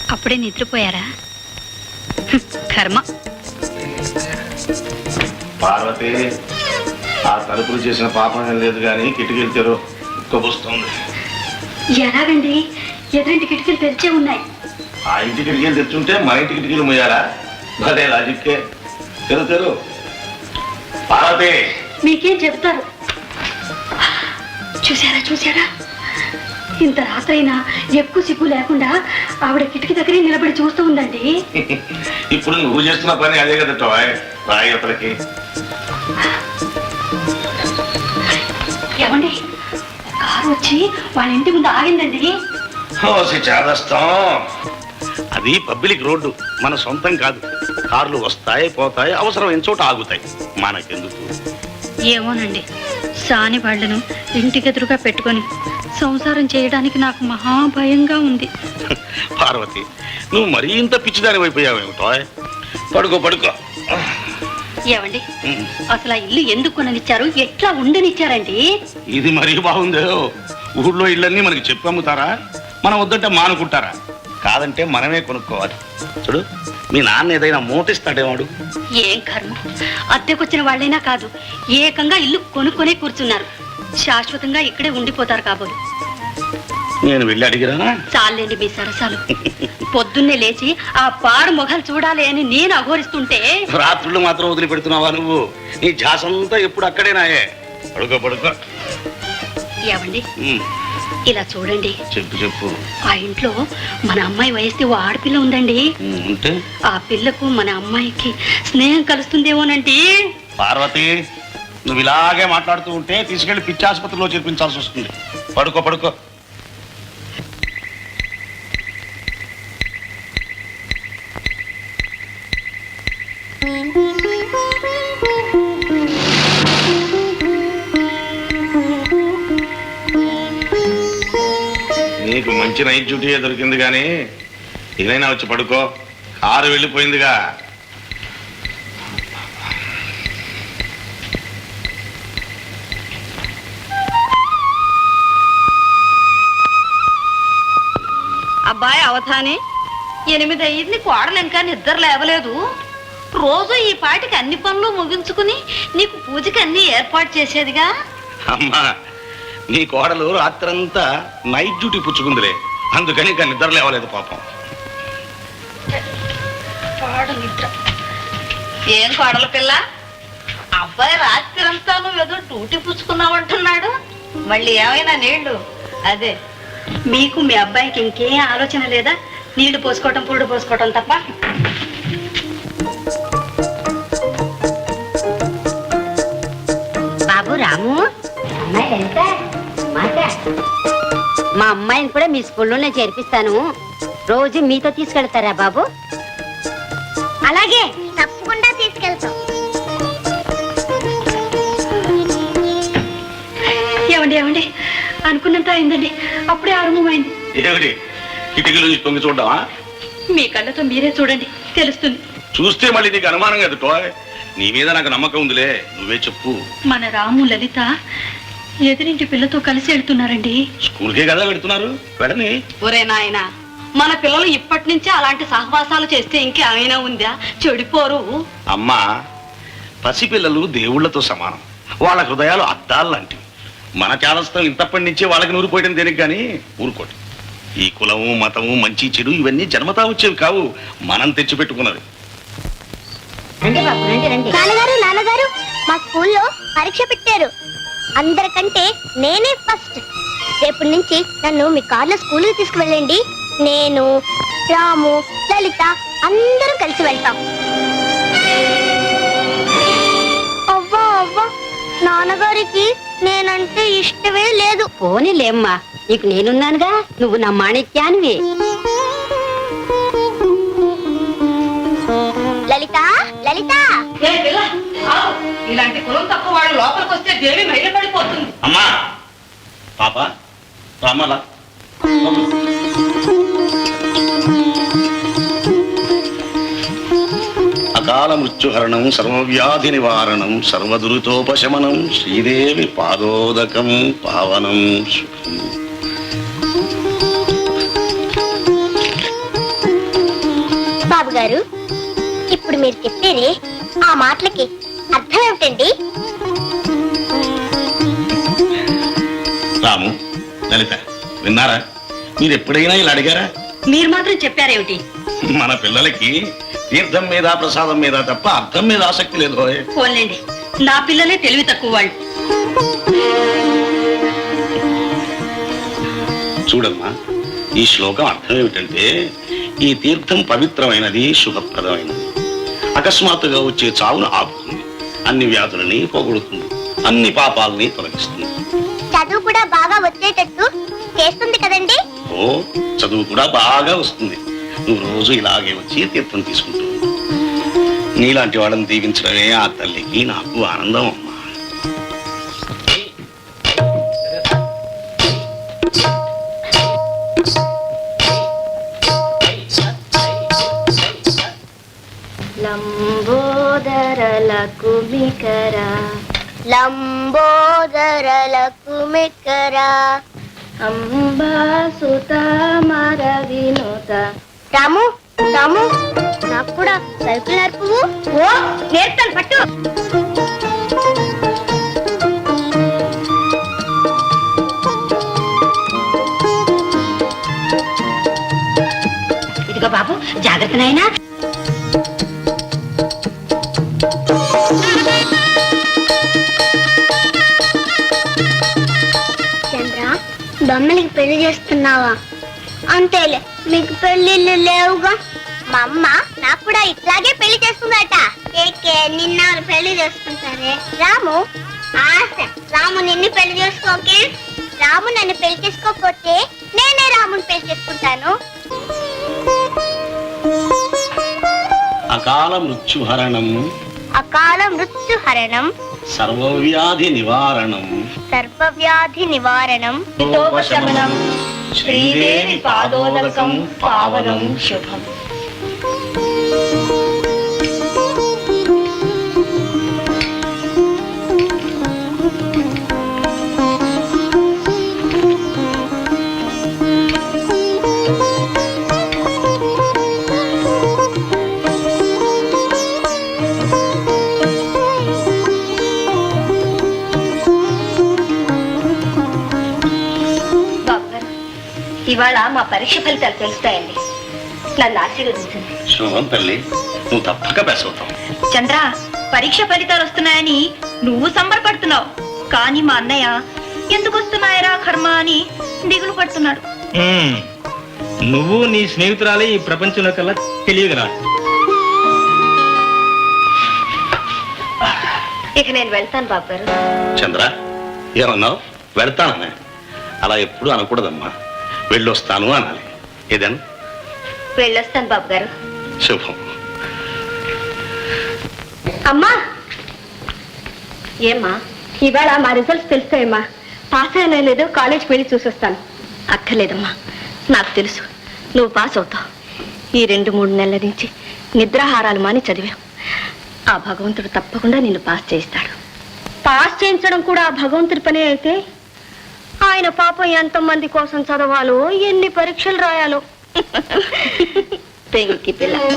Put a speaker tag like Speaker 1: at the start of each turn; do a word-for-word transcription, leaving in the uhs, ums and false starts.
Speaker 1: అప్పుడే నిద్రపోయారా? కర్మ.
Speaker 2: పార్వతి, ఆ తలుపులు చేసిన పాపం ఏం లేదు కానీ కిటికీలు తెరు ఉక్కబోస్తుంది.
Speaker 1: ఎలాగండి? ఎదురింటి కిటికీలు తెరిచే ఉన్నాయి.
Speaker 2: ఆ ఇంటి కిటికీలు తెచ్చుంటే మా ఇంటి కిటికీలు ముయ్యాలా? భలే లాజిక్కే. తెరు తెరు. పార్వతి,
Speaker 1: మీకేం చెబుతారు? చూసారా చూసారా, ఇంత రాత్రైనా ఎక్కువ సిగ్గు లేకుండా ఆవిడ కిటికీ దగ్గరే నిలబడి చూస్తూ ఉందండి.
Speaker 2: ఇప్పుడు నువ్వు చేస్తున్న పని అదే కదా టోయ్. రాయి అతనికి.
Speaker 1: ఏమండి, కారు వచ్చి వాళ్ళ ఇంటి ముందు ఆగిందండి.
Speaker 2: చేదస్తాం. అది పబ్లిక్ రోడ్డు, మన సొంతం కాదు. కార్లు వస్తాయి పోతాయి, అవసరమైన చోట ఆగుతాయి. మనకెందుకు?
Speaker 1: ఏమోనండి, సాని వాళ్లను ఇంటికెదురుగా పెట్టుకొని సంసారం చేయడానికి నాకు మహాభయంగా ఉంది.
Speaker 2: పార్వతి, నువ్వు మరీ ఇంత పిచ్చిదాని అయిపోయావేమిటో. పడుకో పడుకో.
Speaker 1: ఏమండి, అసలు ఆ ఇల్లు ఎందుకు కొననిచ్చారు? ఎట్లా ఉండనిచ్చారండి?
Speaker 2: ఇది మరీ బాగుందో. ఊళ్ళో ఇళ్ళన్నీ మనకి చెప్పి అమ్ముతారా? మనం వద్దంటే మానుకుంటారా? కాదంటే మనమే కొనుక్కోవాలి. చూడు, మీ నాన్న ఏదైనా మోటిస్తాడేవాడు.
Speaker 1: ఏం కర్మ, అద్దెకొచ్చిన వాళ్ళైనా కాదు, ఏకంగా ఇల్లు కొనుక్కొనే కూర్చున్నారు. శాశ్వతంగా ఇక్కడే ఉండిపోతారు కాబోలు.
Speaker 2: నేను వెళ్ళి అడిగిరా?
Speaker 1: చాలండి మీ సరసాలు. పొద్దున్నే లేచి ఆ పాడు మొఘలు చూడాలి అని నేను అఘోరిస్తుంటే
Speaker 2: రాత్రులు మాత్రం వదిలిపెడుతున్నావా నువ్వు? నీ ఝాసంతా ఎప్పుడు అక్కడేనాయే. పడుకో పడుకో.
Speaker 1: ఏమండి, ఇలా చూడండి.
Speaker 2: చెప్పు చెప్పు.
Speaker 1: ఆ ఇంట్లో మన అమ్మాయి వయస్తే ఓ ఆడపిల్ల ఉందండి.
Speaker 2: ఉంటే
Speaker 1: ఆ పిల్లకు మన అమ్మాయికి స్నేహం కలుస్తుందేమోనండి.
Speaker 2: పార్వతి, నువ్వు ఇలాగే మాట్లాడుతూ ఉంటే తీసుకెళ్లి పిచ్చి ఆసుపత్రిలో చేర్పించాల్సి వస్తుంది. పడుకో పడుకో. నీకు మంచి నైట్ డ్యూటీ దొరికింది కానీ ఏదైనా వచ్చి పడుకో. కారు వెళ్ళిపోయిందిగా.
Speaker 1: అబ్బాయి అవధాని, ఎనిమిది అయ్యింది, కోడలు ఇంకా నిద్ర లేవలేదు. రోజు ఈ పాటికి అన్ని పనులు ముగించుకుని నీకు పూజకి అన్ని ఏర్పాటు చేసేదిగా.
Speaker 2: అమ్మా, నీ కోడలు రాత్రంతా నైట్ డ్యూటీ పుచ్చుకుందిలే, అందుకని ఇంకా నిద్ర లేవలేదు పాపం.
Speaker 1: ఏం కోడల పిల్ల, అబ్బాయి రాత్రి అంతా నువ్వు ఏదో డ్యూటీ పుచ్చుకున్నావంటున్నాడు. మళ్ళీ ఏమైనా నీళ్లు? అదే, మీకు మీ అబ్బాయికి ఇంకేం ఆలోచన లేదా? నీళ్లు పోసుకోవటం పురుడు పోసుకోవటం తప్ప. బాబు రాము, మా అమ్మాయిని కూడా మీ స్కూల్లోనే చేర్పిస్తాను. రోజు మీతో తీసుకెళ్తారా బాబు?
Speaker 3: అలాగే, తప్పకుండా తీసుకెళ్తాం.
Speaker 1: ఏమండి ఏమండి, అనుకున్నంత అయిందండి, అప్పుడే ఆరంభమైంది.
Speaker 2: ఏమిటి, కిటికీ నుంచి తొంగి చూడ్డావా?
Speaker 1: మీ కళ్ళతో మీరే చూడండి, తెలుస్తుంది.
Speaker 2: చూస్తే మళ్ళీ నీకు అనుమానం కదా టోయ్. నీ మీద నాకు నమ్మకం ఉందిలే, నువ్వే చెప్పు.
Speaker 1: మన రాము లలిత ఎదురింటి పిల్లతో కలిసి వెళ్తున్నారండి.
Speaker 2: స్కూల్కే కదా పెడుతున్నారు, వెళ్ళని.
Speaker 1: ఒరే నాయనా, మన పిల్లలు ఇప్పటి నుంచే అలాంటి సహవాసాలు చేస్తే ఇంకేమైనా ఉందా? చెడిపోరు.
Speaker 2: అమ్మా, పసిపిల్లలు దేవుళ్లతో సమానం. వాళ్ళ హృదయాలు అద్దాలు లాంటివి. మన చాలస్తం ఇంతప్పటి నుంచే వాళ్ళకి నూరిపోయడం దేనికి కానీ ఊరుకోటి. ఈ కులము మతము మంచి చెడు ఇవన్నీ జన్మతా వచ్చేవి కావు, మనం తెచ్చిపెట్టుకున్నది.
Speaker 3: నాన్నగారు నాన్నగారు, మా స్కూల్లో పరీక్ష పెట్టారు. అందరికంటే నేనే ఫస్ట్. రేపటి నుంచి నన్ను మీ కార్లో స్కూల్కి తీసుకువెళ్ళండి. నేను, రాము, లలిత అందరం కలిసి వెళ్తాం. అవ్వా అవ్వా, నాన్నగారికి నేనంటే ఇష్టమే లేదు.
Speaker 1: పోనీలేమ్మా, నీకు నేనున్నానుగా, నువ్వు నా మాణిక్యానివి.
Speaker 3: లలిత లలిత,
Speaker 1: ఇలాంటి కులం తక్కువ వాళ్ళు లోపలికి వస్తే దేవి మైలు పడిపోతుంది.
Speaker 2: అమ్మా, పాప రామలా, అకాల మృత్యుహరణం, సర్వవ్యాధి నివారణం, సర్వదురితోపశమనం, శ్రీదేవి పాదోదకం పావనం సుఖం.
Speaker 3: బాబు గారు, ఇప్పుడు మీరు చెప్పేరే ఆ మాటలకి అర్థం ఏమిటండి?
Speaker 2: రాము, లలిత, విన్నారా? మీరు ఎప్పుడైనా ఇలా అడిగారా?
Speaker 1: మీరు మాత్రం చెప్పారేమిటి?
Speaker 2: మన పిల్లలకి తీర్థం మీద ప్రసాదం మీద తప్ప అర్థం మీద ఆసక్తి లేదు.
Speaker 1: పోన్లేండి, నా పిల్లలే తెలివి తక్కువ వాళ్ళు.
Speaker 2: చూడమ్మా, ఈ శ్లోకం అర్థం ఏమిటంటే ఈ తీర్థం పవిత్రమైనది, శుభప్రదమైనది. అకస్మాత్తుగా వచ్చే చావును ఆపుతుంది, అన్ని వ్యాధులని పోగొడుతుంది, అన్ని పాపాలని తొలగిస్తుంది.
Speaker 3: చదువు కూడా బాగా వచ్చేటట్టు చేస్తుంది కదండి?
Speaker 2: ఓ, చదువు కూడా బాగా వస్తుంది. నువ్వు రోజు ఇలాగే వచ్చి తీర్థం తీసుకుంటూ ఉండు. నీలాంటి వాళ్ళని దీవించడమే ఆ తల్లికి నాకు ఆనందం అమ్మా.
Speaker 3: లంబోదరల కుమికర లంబోదరల కుమికర అంబాసుత మర వినుత. రాము, రాము, నాకు కూడా సైకిల్ నేర్పు. ఓ, నేర్తాను, పట్టు.
Speaker 1: ఇదిగో బాబు, జాగ్రత్త నాయనా.
Speaker 3: చంద్ర, బొమ్మలకి పెళ్లి చేస్తున్నావా? అంతేలే, మీకు పెళ్లిళ్ళు లేవుగా. మా అమ్మ నాకు కూడా ఇట్లాగే పెళ్లి చేస్తుందట. ఏకే, నిన్న పెళ్లి చేసుకుంటారే. రాము, ఆశ రాము నిన్ను పెళ్లి చేసుకోకే. రాము నన్ను పెళ్లి చేసుకోకపోతే నేనే రాముని పెళ్లి చేసుకుంటాను.
Speaker 2: అకాల మృత్యుహరణం
Speaker 3: అకాల మృత్యుహరణం
Speaker 2: సర్వవ్యాధి నివారణం
Speaker 3: సర్వవ్యాధి నివారణం
Speaker 1: హితోపశమనం శ్రీదేవి పాదోదకం పావనం శుభం. ఇవాళ మా పరీక్ష ఫలితాలు తెలుస్తాయండి. నన్ను ఆశీర్వదించండి.
Speaker 2: శుభం తల్లి, నువ్వు తప్పక పాస్ అవుతావు.
Speaker 1: చంద్ర, పరీక్ష ఫలితాలు వస్తున్నాయని నువ్వు సంబరపడుతున్నావు, కానీ మా అన్నయ్య ఎందుకు వస్తున్నాయరా కర్మ అని దిగులు పడుతున్నాడు.
Speaker 4: ఉమ్, నువ్వు నీ స్నేహితురాలే ఈ ప్రపంచంలో కల్లా తెలియదురా.
Speaker 1: ఇక నేను వెళ్తాను బాబు గారు.
Speaker 2: చంద్ర, ఏమన్నావు? వెళ్తాననే అలా ఎప్పుడు అనకూడదమ్మా. వెళ్ళొస్తాను అనాలి. ఏదను?
Speaker 1: వెళ్ళొస్తాను బాబు గారు.
Speaker 2: శుభం.
Speaker 1: అమ్మా, ఏమ్మా ఇవాళ మా రిజల్ట్స్ తెలుస్తాయమ్మా. పాస్ అయినా లేదో కాలేజ్కి వెళ్ళి చూసొస్తాను. అక్కర్లేదమ్మా, నాకు తెలుసు నువ్వు పాస్ అవుతావు. ఈ రెండు మూడు నెలల నుంచి నిద్రాహారాలు మాని చదివావు. ఆ భగవంతుడు తప్పకుండా నిన్ను పాస్ చేయిస్తాడు. పాస్ చేయించడం కూడా ఆ భగవంతుడి పనే అయితే ఆయన పాపం ఎంతమంది కోసం చదవాలో, ఎన్ని పరీక్షలు రాయాలో. పెంకి పిల్ల.